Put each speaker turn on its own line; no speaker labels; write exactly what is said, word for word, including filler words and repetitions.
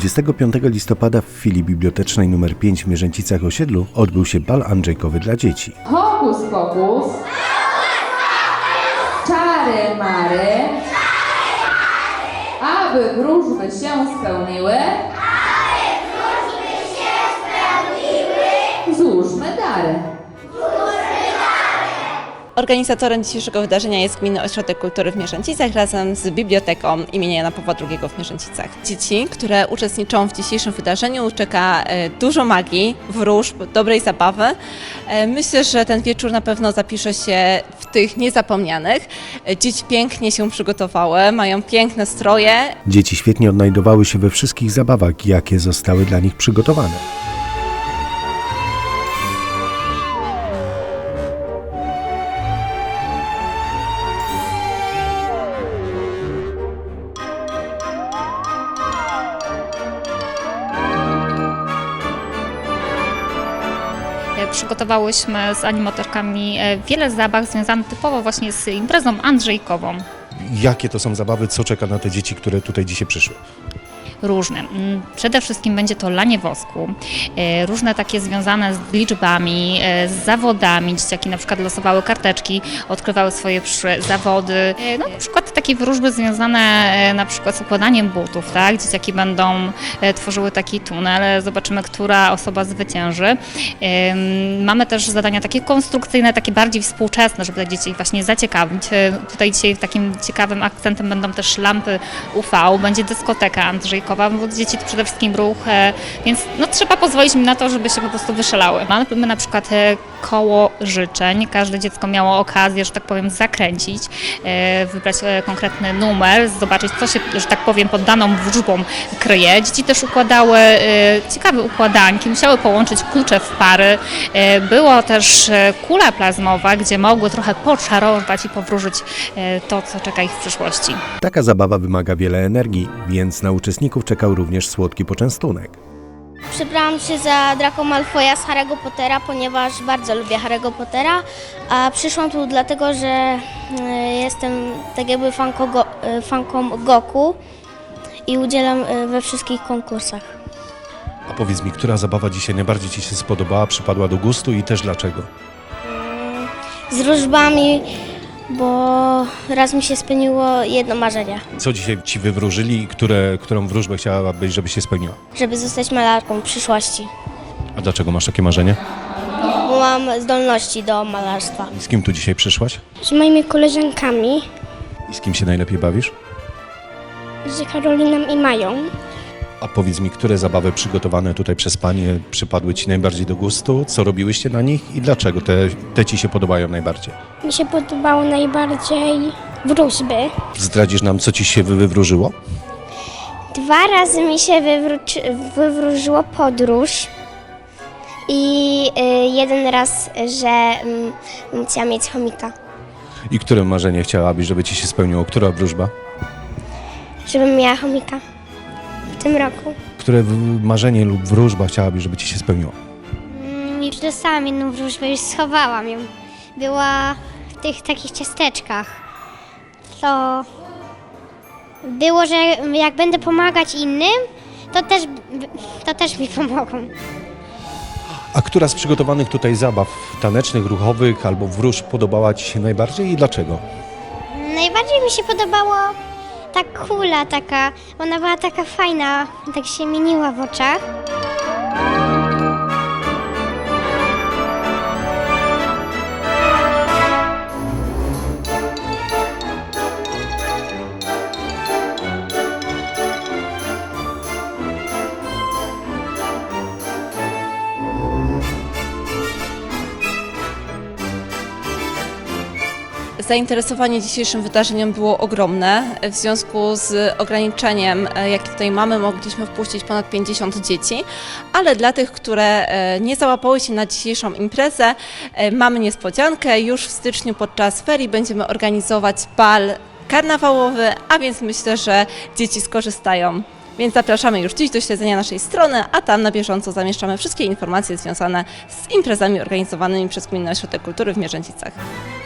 dwudziestego piątego listopada w filii bibliotecznej numer pięć w Mierzęcicach-Osiedlu odbył się bal andrzejkowy dla dzieci.
Hokus pokus, czary mary, aby wróżby się spełniły, złóżmy dary.
Organizatorem dzisiejszego wydarzenia jest Gminny Ośrodek Kultury w Mierzęcicach razem z Biblioteką imienia Jana Pawła drugiego w Mierzęcicach. Dzieci, które uczestniczą w dzisiejszym wydarzeniu, czeka dużo magii, wróżb, dobrej zabawy. Myślę, że ten wieczór na pewno zapisze się w tych niezapomnianych. Dzieci pięknie się przygotowały, mają piękne stroje.
Dzieci świetnie odnajdowały się we wszystkich zabawach, jakie zostały dla nich przygotowane.
Przygotowałyśmy z animatorkami wiele zabaw związanych typowo właśnie z imprezą andrzejkową.
Jakie to są zabawy, co czeka na te dzieci, które tutaj dzisiaj przyszły?
Różne. Przede wszystkim będzie to lanie wosku, różne takie związane z liczbami, z zawodami. Dzieciaki na przykład losowały karteczki, odkrywały swoje zawody. No, na przykład takie wróżby związane na przykład z układaniem butów, tak? Dzieciaki będą tworzyły taki tunel, zobaczymy, która osoba zwycięży. Mamy też zadania takie konstrukcyjne, takie bardziej współczesne, żeby te dzieci właśnie zaciekawić. Tutaj dzisiaj takim ciekawym akcentem będą też lampy U V, będzie dyskoteka andrzejkowa, bo dzieci to przede wszystkim ruch, więc no, trzeba pozwolić im na to, żeby się po prostu wyszalały. Mamy na przykład koło życzeń, każde dziecko miało okazję, że tak powiem, zakręcić, wybrać konkretny numer, zobaczyć, co się, że tak powiem, pod daną wróżbą kryje. Dzieci też układały ciekawe układanki, musiały połączyć klucze w pary. Była też kula plazmowa, gdzie mogły trochę poczarować i powróżyć to, co czeka ich w przyszłości.
Taka zabawa wymaga wiele energii, więc na uczestników czekał również słodki poczęstunek.
Przebrałam się za Draco Malfoya z Harry'ego Pottera, ponieważ bardzo lubię Harry'ego Pottera, a przyszłam tu dlatego, że jestem tak jakby fanką, go, fanką Goku i udzielam we wszystkich konkursach.
A powiedz mi, która zabawa dzisiaj najbardziej Ci się spodobała, przypadła do gustu i też dlaczego?
Z wróżbami, bo raz mi się spełniło jedno marzenie.
Co dzisiaj Ci wywróżyli i które, którą wróżbę chciałabyś, żeby się spełniła?
Żeby zostać malarką w przyszłości,
A dlaczego masz takie marzenie?
bo mam zdolności do malarstwa.
Z kim tu dzisiaj przyszłaś?
Z moimi koleżankami,
I z kim się najlepiej bawisz?
z Karoliną i Mają.
A powiedz mi, które zabawy przygotowane tutaj przez Panie przypadły Ci najbardziej do gustu? Co robiłyście na nich i dlaczego te, te Ci się podobają najbardziej?
Mi się podobało najbardziej wróżby.
Zdradzisz nam, co Ci się wywróżyło?
Dwa razy mi się wywróci, wywróżyło podróż i y, jeden raz, że y, chciałam mieć chomika,
I które marzenie chciałabyś, żeby Ci się spełniło? Która wróżba?
żebym miała chomika w tym roku.
Które w- marzenie lub wróżba chciałabyś, żeby Ci się spełniło?
Już dostałam jedną wróżbę, już schowałam ją. Była w tych takich ciasteczkach. To było, że jak będę pomagać innym, to też, to też mi pomogą.
A która z przygotowanych tutaj zabaw tanecznych, ruchowych albo wróżb podobała Ci się najbardziej i dlaczego?
Najbardziej mi się podobało ta kula taka, ona była taka fajna, tak się mieniła w oczach.
Zainteresowanie dzisiejszym wydarzeniem było ogromne. W związku z ograniczeniem, jakie tutaj mamy, mogliśmy wpuścić ponad pięćdziesiąt dzieci, ale dla tych, które nie załapały się na dzisiejszą imprezę, mamy niespodziankę. Już w styczniu podczas ferii będziemy organizować bal karnawałowy, a więc myślę, że dzieci skorzystają. Więc zapraszamy już dziś do śledzenia naszej strony, a tam na bieżąco zamieszczamy wszystkie informacje związane z imprezami organizowanymi przez Gminny Ośrodek Kultury w Mierzęcicach.